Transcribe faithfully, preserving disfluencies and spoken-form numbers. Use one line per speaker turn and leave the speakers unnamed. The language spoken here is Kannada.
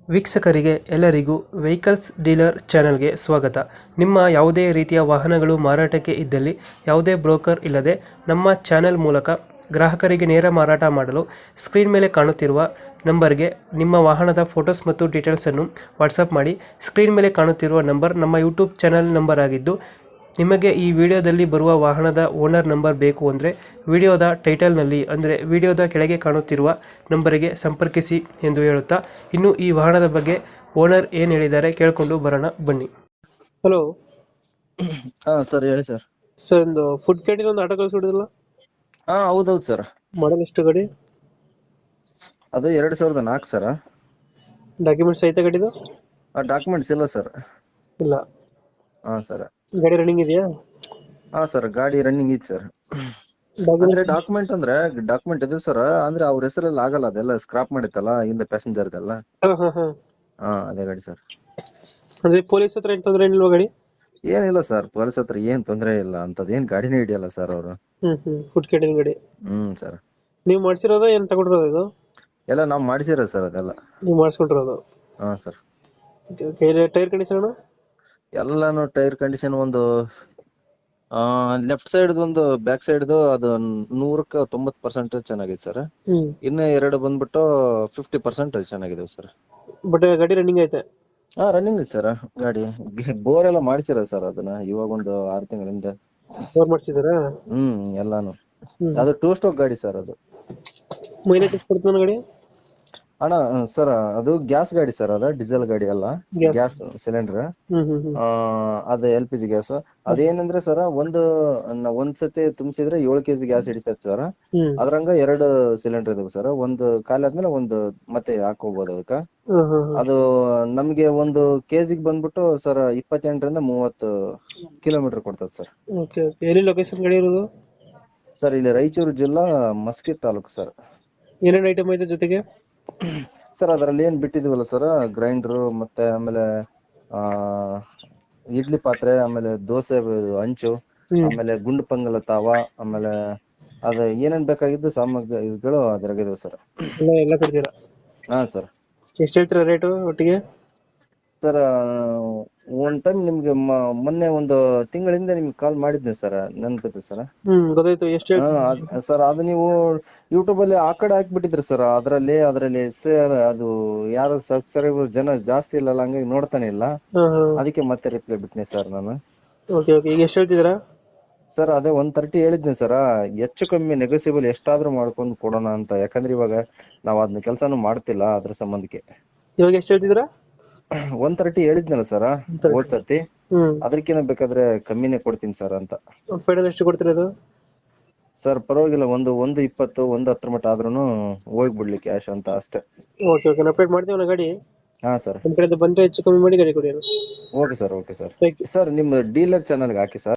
ವೀಕ್ಷಕರಿಗೆ ಎಲ್ಲರಿಗೂ ವೆಹಿಕಲ್ಸ್ ಡೀಲರ್ ಚಾನೆಲ್ಗೆ ಸ್ವಾಗತ. ನಿಮ್ಮ ಯಾವುದೇ ರೀತಿಯ ವಾಹನಗಳು ಮಾರಾಟಕ್ಕೆ ಇದ್ದಲ್ಲಿ ಯಾವುದೇ ಬ್ರೋಕರ್ ಇಲ್ಲದೆ ನಮ್ಮ ಚಾನೆಲ್ ಮೂಲಕ ಗ್ರಾಹಕರಿಗೆ ನೇರ ಮಾರಾಟ ಮಾಡಲು ಸ್ಕ್ರೀನ್ ಮೇಲೆ ಕಾಣುತ್ತಿರುವ ನಂಬರ್ಗೆ ನಿಮ್ಮ ವಾಹನದ ಫೋಟೋಸ್ ಮತ್ತು ಡೀಟೇಲ್ಸನ್ನು ವಾಟ್ಸಪ್ ಮಾಡಿ. ಸ್ಕ್ರೀನ್ ಮೇಲೆ ಕಾಣುತ್ತಿರುವ ನಂಬರ್ ನಮ್ಮ ಯೂಟ್ಯೂಬ್ ಚಾನೆಲ್ ನಂಬರ್ ಆಗಿದ್ದು, ನಿಮಗೆ ಈ ವಿಡಿಯೋದಲ್ಲಿ ಬರುವ ವಾಹನದ ಓನರ್ ನಂಬರ್ ಬೇಕು ಅಂದರೆ ವಿಡಿಯೋದ ಟೈಟಲ್ನಲ್ಲಿ ಅಂದರೆ ವಿಡಿಯೋದ ಕೆಳಗೆ ಕಾಣುತ್ತಿರುವ ನಂಬರಿಗೆ ಸಂಪರ್ಕಿಸಿ ಎಂದು ಹೇಳುತ್ತಾ, ಇನ್ನು ಈ ವಾಹನದ ಬಗ್ಗೆ ಓನರ್ ಏನು ಹೇಳಿದ್ದಾರೆ ಕೇಳಿಕೊಂಡು ಬರೋಣ ಬನ್ನಿ. ಹಲೋ
ಹಾ ಸರ್, ಹೇಳಿ ಸರ್.
ಸರ್, ಒಂದು ಫುಡ್ ಕ್ಯಾಂಟೀನ್ ಒಂದು ಆಟೋ ಕಳಿಸ್ಬಿಡಿದ್ರಲ್ಲ,
ಹಾ ಹೌದೌದು ಸರ್.
ಮಾಡಲ್ ಎಷ್ಟು ಗಾಡಿ?
ಅದು ಎರಡ್ ಸಾವಿರದ ನಾಲ್ಕು ಸರ್.
ಡಾಕ್ಯುಮೆಂಟ್ಸ್ ಐತೆ ಗಾಡಿದು?
ಡಾಕ್ಯುಮೆಂಟ್ಸ್ ಇಲ್ಲ ಸರ್.
ಇಲ್ಲ.
ಹಾ ಸರ್.
ಗಾಡಿ ರನ್ನಿಂಗ್ ಇದೆಯಾ?
ಹಾ ಸರ್, ಗಾಡಿ ರನ್ನಿಂಗ್ ಇತ್ತು ಸರ್. ಅಂದ್ರೆ ಡಾಕ್ಯುಮೆಂಟ್ ಅಂದ್ರೆ ಡಾಕ್ಯುಮೆಂಟ್ ಇದೆ ಸರ್, ಅಂದ್ರೆ ಅವ್ರ ಹೆಸರಲ್ಲಿ ಆಗಲ್ಲ, ಅದೆಲ್ಲ ಸ್ಕ್ರಾಪ್ ಮಾಡಿತ್ತಲ್ಲ ಹಿಂದೆ ಪ್ಯಾಸೆಂಜರ್ದೆಲ್ಲ.
ಹಾ ಹಾ ಹಾ
ಹಾ ಅದೇ ಗಾಡಿ ಸರ್.
ಅಂದ್ರೆ ಪೊಲೀಸ್ ಹತ್ರ ಏನ್ ತೊಂದ್ರೆ ಏನಿಲ್ವಾ ಗಾಡಿ?
ಏನಿಲ್ಲ ಸರ್, ಪೊಲೀಸ್ ಹತ್ರ ಏನ್ ತೊಂದ್ರೆ ಇಲ್ಲ, ಅಂತದ್ ಏನ್ ಗಾಡಿನೇ ಹಿಡಿಯಲ್ಲ ಸರ್ ಅವರು.
ಹ್ಮ್ ಹ್ಮ್ ಫುಡ್ ಕ್ಯಾಂಟೀನ್ ಗಾಡಿ
ಹ್ಮ್ ಸರ್.
ನೀವು ಮಾಡ್ಸಿರೋದ ಏನ್ ತಗೊಂಡಿರೋದು ಇದು?
ಎಲ್ಲ ನಾವ್ ಮಾಡಿಸಿರೋದು ಸರ್ ಅದೆಲ್ಲ.
ನೀವು ಮಾಡಿಸ್ಕೊಂಡಿರೋದು?
ಹಾ ಸರ್.
Tyre condition?
ಎಲ್ಲಾನು ಟೈರ್ ಕಂಡೀಷನ್ ಒಂದು ಆ ಲೆಫ್ಟ್ ಸೈಡ್ ಒಂದು ಬ್ಯಾಕ್ ಸೈಡ್ ಅದು ನೂರಕ್ಕೆ ತೊಂಬತ್ ಪರ್ಸೆಂಟ್ ಚೆನ್ನಾಗಿದೆ ಸರ್.
ಹ್ಮ್
ಇನ್ನು ಎರಡು ಬಂದ್ಬಿಟ್ಟು ಫಿಫ್ಟಿ ಪರ್ಸೆಂಟ್ ಚೆನ್ನಾಗಿದೆ ಸರ್.
ಬಟ್ ಗಾಡಿ ರನ್ನಿಂಗ್ ಐತೆ?
ಹಾ ರನ್ನಿಂಗ್ ಇದೆ ಸರ್ ಗಾಡಿ. ಬೋರ್ ಎಲ್ಲ ಮಾಡ್ಸಿರೋದು ಸರ್ ಅದನ್ನ ಇವಾಗ ಒಂದು ಆರು ತಿಂಗಳಿಂದ.
ಬೋರ್ ಮಾಡ್ಸಿದಾರಾ?
ಹ್ಮ್ ಎಲ್ಲಾನು.
ಹ್ಮ್.
ಅದು ಟೂ ಸ್ಟ್ರೋಕ್ ಗಾಡಿ ಸರ್ ಅದು.
ಮೈಲೇಜ್ ಎಷ್ಟು ಕೊಡ್ತದೆ ಗಾಡಿ?
ಅಣ್ಣ ಸರ್, ಅದು ಗ್ಯಾಸ್ ಗಾಡಿ ಸರ್, ಅದ ಡೀಸೆಲ್ ಗಾಡಿ ಅಲ್ಲ,
Gas.
Gas cylinder.
ಹ್ಮ್ ಹ್ಮ್ ಹ್ಮ್
ಆ ಅದ ಎಲ್ ಪಿ ಜಿ ಗ್ಯಾಸ್. ಅದೇನಂದ್ರೆ ಸರ್, ಒಂದು ನ- ಒಂದ್ ಸತಿ ತುಂಬಿಸಿದ್ರೆ ಏಳು ಕೆಜಿ ಗ್ಯಾಸ್ ಹಿಡಿತೈತೆ ಸರ್.
ಹ್ಮ್
ಅದ್ರಂಗ ಎರಡು ಸಿಲಿಂಡರ್ ಇದಾವೆ ಸರ್. ಒಂದು ಖಾಲಿ ಆದ್ಮೇಲೆ ಒಂದು ಮತ್ತೆ ಹಾಕೋಬಹುದು ಅದಕ್ಕ.
ಹ್ಮ್ ಹ್ಮ್
ಅದು ನಮ್ಗೆ ಒಂದು ಕೆಜಿಗೆ ಬಂದ್ಬಿಟ್ಟು ಸರ್ ಇಪ್ಪತ್ತೆಂಟರಿಂದ ಮೂವತ್ತು ಕಿಲೋಮೀಟರ್ ಕೊಡ್ತದೆ ಸರ್.
Okay okay. ಎಲ್ಲಿ ಲೊಕೇಶನ್ ಗಾಡಿ ಇರೋದು?
ಸರ್ ಇಲ್ಲಿ ರಾಯಚೂರು ಜಿಲ್ಲಾ ಮಸ್ಕಿ ತಾಲೂಕು ಸರ್.
ಏನೇನ್ ಐಟಮ್ ಐತೆ ಜೊತೆಗೆ?
ಸರ್ ಅದರಲ್ಲಿ ಏನ್ ಬಿಟ್ಟಿದೀವಲ್ಲ ಸರ್, ಗ್ರೈಂಡರ್ ಮತ್ತೆ ಆಮೇಲೆ ಆ ಇಡ್ಲಿ ಪಾತ್ರೆ, ಆಮೇಲೆ ದೋಸೆ ಹಂಚು,
ಹ್ಮ್
ಆಮೇಲೆ ಗುಂಡು ಪಂಗಲ ತಾವ, ಆಮೇಲೆ ಅದ ಏನೇನ್ ಬೇಕಾಗಿದ್ದು ಸಾಮಗ್ರಿಗಳು ಅದ್ರಾಗಿದಾವೆ ಸರ್.
ಎಲ್ಲ ಎಲ್ಲ ಕೊಡ್ತೀರಾ?
ಹಾ ಸರ್.
ಎಷ್ಟು ಹೇಳ್ತೀರಾ ರೇಟು ಒಟ್ಟಿಗೆ?
ಸರ್ ಒನ್ ಟೈಮ್ ನಿಮ್ಗೆ ಮ- ಮೊನ್ನೆ ಒಂದು ತಿಂಗಳಿಂದ ನಿಮ್ಗೆ ಕಾಲ್ ಮಾಡಿದ್ದೆ ಸರ್, ನೆನ್ಪತ್ತೆ ಸರ್.
ಹ್ಮ್ ಗೊತ್ತಾಯ್ತು. ಎಷ್ಟು
ಹಾ
ಹೇಳ್ತೀರಾ?
ಅದ್- ಸರ್ ಅದು ನೀವು ಯೂಟ್ಯೂಬ್ ಅಲ್ಲಿ ಆ ಕಡೆ ಹಾಕ್ಬಿಟ್ಟಿದ್ರಿ ಸರ್. ಅದ್ರಲ್ಲಿ ಅದ್ರಲ್ಲಿ ಸರ್ ಅದು ಯಾರು ಸಬ್ಸ್ಕ್ರೈಬರ್ ಜನ ಜಾಸ್ತಿ ಇಲ್ಲಲ್ಲ, ಹಂಗಾಗಿ ನೋಡ್ತಾನೆ ಇಲ್ಲ.
ಹಾ ಹಾ.
ಅದಕ್ಕೆ ಮತ್ತೆ ರಿಪ್ಲೈ ಬಿಟ್ನೆ ಸರ್ ನಾನು.
Okay okay. ಈಗ ಎಷ್ಟು ಹೇಳ್ತಿದ್ದೀರಾ?
ಸರ್ ಅದೇ ಒನ್ ತರ್ಟಿ ಹೇಳಿದ್ನಿ ಸರ್. ಹೆಚ್ಚು ಕಮ್ಮಿ ನೆಗೋಸಿಯಬಲ್ ಎಷ್ಟಾದ್ರೂ ಮಾಡ್ಕೊಂಡು ಕೊಡೋಣ ಅಂತ, ಯಾಕಂದ್ರೆ ಇವಾಗ ನಾವ್ ಅದನ್ನ ಕೆಲ್ಸಾನು ಮಾಡ್ತಿಲ್ಲ, ಅದ್ರ ಸಂಬಂಧಕ್ಕೆ.
ಇವಾಗ ಎಷ್ಟು ಹೇಳ್ತಿದ್ದೀರಾ?
ಒನ್ ತರ್ಟಿ ಹೇಳಿದ್ನಲ್ಲ ಸರ್ ಹೋದ್ ಸತಿ.
ಹ್ಮ್.
ಅದಕ್ಕಿಂತ ಬೇಕಾದ್ರೆ ಕಮ್ಮಿನೇ ಕೊಡ್ತೀನಿ ಸರ್ ಅಂತ.
ಫೈನಲ್ ಎಷ್ಟು ಕೊಡ್ತೀರಾ ಇದು?
ಸರ್ ಪರವಾಗಿಲ್ಲ, ಒಂದು ಒಂದು ಇಪ್ಪತ್ತು ಒಂದು ಹತ್ತರ ಮಟ್ಟ ಆದ್ರೂನು ಹೋಗ್ಬಿಡ್ಲಿ ಕ್ಯಾಶ್ ಅಂತ ಅಷ್ಟೇ.
Okay okay. ಅಪ್ಡೇಟ್ ಮಾಡ್ತೀವಿ ಗಾಡಿ.
ಹಾ ಸರ್.
ನಮ್ಮ ಕಡೆಯಿಂದ ಬಂದ್ರೆ ಹೆಚ್ಚು ಕಮ್ಮಿ ಮಾಡಿ ಗಾಡಿ ಕೊಡಿ.
Okay sir, okay sir.
Thank you.
Sir ನಿಮ್ಮ ಡೀಲರ್ ಚಾನಲ್ಗೆ ಹಾಕಿ ಸರ್.